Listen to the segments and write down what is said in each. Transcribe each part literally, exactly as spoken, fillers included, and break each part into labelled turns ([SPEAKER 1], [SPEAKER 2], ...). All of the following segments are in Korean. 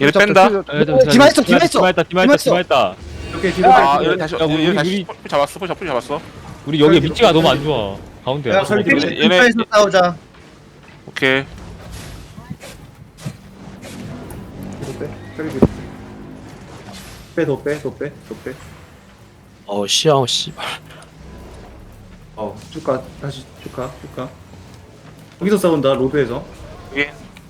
[SPEAKER 1] 얘네 뺀다.
[SPEAKER 2] 디마 있어, 디마 있어.
[SPEAKER 3] 디마 있다, 디마 있다, 디마 있다.
[SPEAKER 4] 오케이 뒤로
[SPEAKER 1] 아
[SPEAKER 4] 빼.
[SPEAKER 1] 얘네 다시
[SPEAKER 3] 야, 우리-
[SPEAKER 1] 얘네 다시
[SPEAKER 3] 우리-
[SPEAKER 1] 풀 잡았어. 풀 잡- 풀 잡았어.
[SPEAKER 3] 우리 여기 위치가 너무 안 좋아. 가운데.
[SPEAKER 4] 야, 설리 뒤로
[SPEAKER 1] 얘네-
[SPEAKER 4] 빼.
[SPEAKER 1] 얘네-
[SPEAKER 5] 에서 싸우자.
[SPEAKER 1] 오케이.
[SPEAKER 4] 뒤로 빼. 설리 뒤로 빼. 빼, 더 빼, 더 빼, 더 빼.
[SPEAKER 6] 어 씨야 씨발.
[SPEAKER 4] 어, 쭉 가. 다시 쭉 가, 쭉 가. 여기서 싸운다, 로드에서.
[SPEAKER 1] 여기.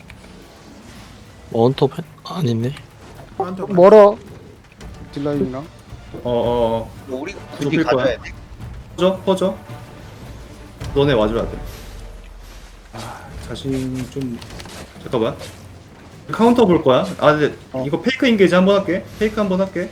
[SPEAKER 6] 원톱 아니네.
[SPEAKER 2] 멀어. 딜라인이랑.
[SPEAKER 4] 어, 어, 어.
[SPEAKER 5] 우리가 굳이
[SPEAKER 4] 높일 거야.
[SPEAKER 5] 가져야 돼.
[SPEAKER 4] 퍼져, 퍼져. 너네 와줘야 돼. 아, 자신 좀. 잠깐만. 카운터 볼 거야. 아, 근데
[SPEAKER 2] 어.
[SPEAKER 4] 이거 페이크 인게이지 한번 할게. 페이크 한번 할게.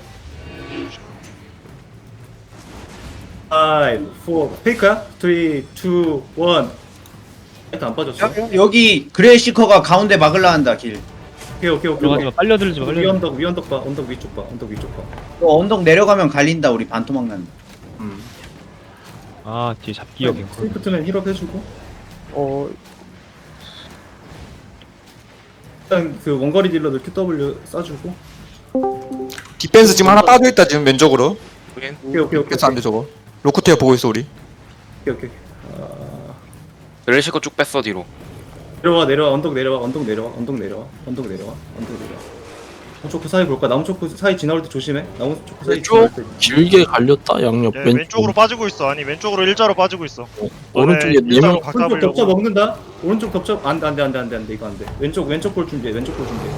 [SPEAKER 4] 오, 사, 페이크야? 삼, 이, 일. 일단 안 빠졌어.
[SPEAKER 5] 여기 그레이시커가 가운데 막을라 한다 길.
[SPEAKER 4] 오케이, 오케이, 오케이.
[SPEAKER 3] 들어가지 마. 빨려 들지 마.
[SPEAKER 4] 위
[SPEAKER 3] 빨려.
[SPEAKER 4] 언덕, 위 언덕 봐. 언덕 위쪽 봐. 언덕 위쪽 봐.
[SPEAKER 5] 또 언덕 내려가면 갈린다. 우리 반토막 난다.
[SPEAKER 4] 음.
[SPEAKER 3] 아, 뒤에 잡기 여기.
[SPEAKER 4] 스위프트맨 힐업 해주고.
[SPEAKER 2] 어,
[SPEAKER 4] 일단 그 원거리 딜러들 큐더블유 쏴주고.
[SPEAKER 7] 디펜스 지금 하나 빠져있다 지금 왼쪽으로.
[SPEAKER 1] 여긴.
[SPEAKER 4] 오케이, 오케이, 오케이.
[SPEAKER 7] 디펜스 안돼 저거. 로코테어 보고 있어 우리.
[SPEAKER 4] 오케이, 오케이. 아,
[SPEAKER 1] 렐시코 쭉 뺐어 뒤로.
[SPEAKER 4] 내려와, 내려와. 언덕 내려와. 언덕 내려와. 언덕 내려와. 언덕 내려와. 언덕 내려와. 나무 초크 사이 볼까? 나무 초크 사이 지나올 때 조심해. 나무 초크 사이
[SPEAKER 6] 왼쪽?
[SPEAKER 4] 지나올 때.
[SPEAKER 6] 길게 갈렸다 양옆
[SPEAKER 8] 예,
[SPEAKER 6] 왼쪽.
[SPEAKER 8] 왼쪽으로 빠지고 있어. 아니 왼쪽으로 일자로 빠지고 있어.
[SPEAKER 6] 오른쪽에
[SPEAKER 8] 네,
[SPEAKER 6] 네
[SPEAKER 8] 일자로
[SPEAKER 6] 명.
[SPEAKER 8] 각
[SPEAKER 4] 오른쪽 덮쳐
[SPEAKER 8] 잡으려고.
[SPEAKER 4] 먹는다. 오른쪽 덮쳐. 안돼, 안돼, 안돼, 안돼, 안돼. 이거 안돼. 왼쪽, 왼쪽 볼 준비해. 왼쪽 볼 준비해.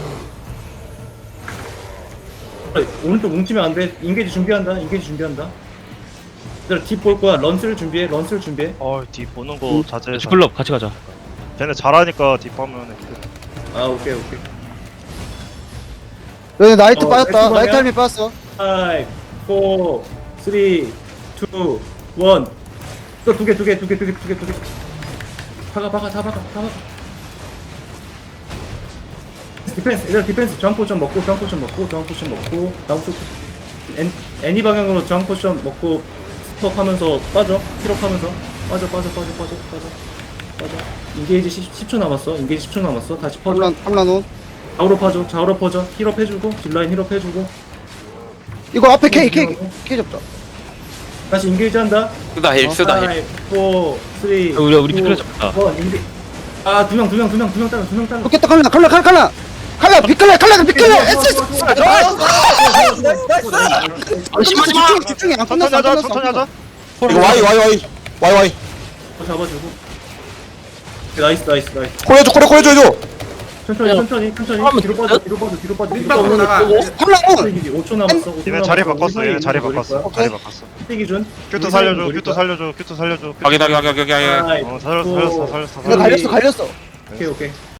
[SPEAKER 4] 그래, 오른쪽 뭉치면 안 돼. 인게이지 준비한다. 인게이지 준비한다. 얘들아 딥볼 거야. 런스를 준비해. 런스를 준비해.
[SPEAKER 8] 어, 뒤 보는 거 자제해.
[SPEAKER 3] 스플럽 같이 가자.
[SPEAKER 8] 걔네 잘하니까 뒷하면
[SPEAKER 4] 아, 오케이, 오케이.
[SPEAKER 2] 여기 나이트
[SPEAKER 4] 어,
[SPEAKER 2] 빠졌다.
[SPEAKER 4] 엑스방이야?
[SPEAKER 2] 나이트 할미 빠졌어.
[SPEAKER 4] 오, 사, 삼, 이, 일. 또 두 개, 두 개, 두 개, 두 개, 두 개, 두 개. 박아, 박아, 다 박아, 다 박아. 디펜스, 얘들아 디펜스 저항 포션 먹고, 저항 포션 먹고, 저항 포션 먹고, 나무 쪽 애, 애니 방향으로 저항 포션 먹고 스톱 하면서 빠져, 힐업 하면서 빠져, 빠져, 빠져, 빠져, 빠져, 빠져. 인게이지 십 초 남았어. 인게이지 십 초 남았어. 다시 퍼져.
[SPEAKER 2] 함란, 함란온.
[SPEAKER 4] 좌우로 퍼져, 좌우로 퍼져. 힐업 해주고, 딜라인 힐업 해주고.
[SPEAKER 2] 이거 앞에 K, K, K 잡자.
[SPEAKER 4] 다시 인게이지 한다.
[SPEAKER 1] 쓰다 힐 쓰다 힐.
[SPEAKER 4] 오, 삼, 이,
[SPEAKER 3] 우리- 우리 피클 잡자.
[SPEAKER 4] 아, 두 명, 두 명, 두 명, 두 명 따라, 두 명 따라.
[SPEAKER 2] 좋겠다, 칼라, 칼라, 칼라, 칼라. 칼라, 비칼라, 칼라, 비칼라.
[SPEAKER 4] 어,
[SPEAKER 2] 에스, 에스. 집중해, 집중해. 안
[SPEAKER 8] 천천히
[SPEAKER 2] 끝났어, 안
[SPEAKER 8] 하자.
[SPEAKER 2] 끝났어.
[SPEAKER 8] 천천히 하자.
[SPEAKER 7] 이거 와이 와이 와이 와이 와이.
[SPEAKER 4] 어, 잡아주고. 나이스, 나이스, 나이스.
[SPEAKER 7] 코레줘 코레 코레줘 해줘.
[SPEAKER 4] 천천히,
[SPEAKER 6] 야.
[SPEAKER 4] 천천히, 천천히.
[SPEAKER 6] 하면
[SPEAKER 4] 뒤로 빠져, 뒤로 빠져, 뒤로 빠져. 뒤로
[SPEAKER 2] 칼라온.
[SPEAKER 4] 오 초 남았어. 오 초
[SPEAKER 8] 얘네 자리
[SPEAKER 4] 남았어.
[SPEAKER 8] 바꿨어. 얘네 자리
[SPEAKER 4] 우리
[SPEAKER 8] 바꿨어.
[SPEAKER 4] 거야.
[SPEAKER 8] 자리 바꿨어.
[SPEAKER 4] 티 기준.
[SPEAKER 8] 큐트
[SPEAKER 4] 우리
[SPEAKER 8] 살려줘.
[SPEAKER 4] 우리
[SPEAKER 8] 큐트
[SPEAKER 4] 거야.
[SPEAKER 8] 살려줘. 큐트 살려줘. 큐트
[SPEAKER 1] 확인 확인 확인 확인 확인.
[SPEAKER 4] 아이,
[SPEAKER 8] 어, 살렸어. 살렸어. 살렸어.
[SPEAKER 2] 이거 갈렸어, 갈렸어.
[SPEAKER 4] 오케이, 오케이.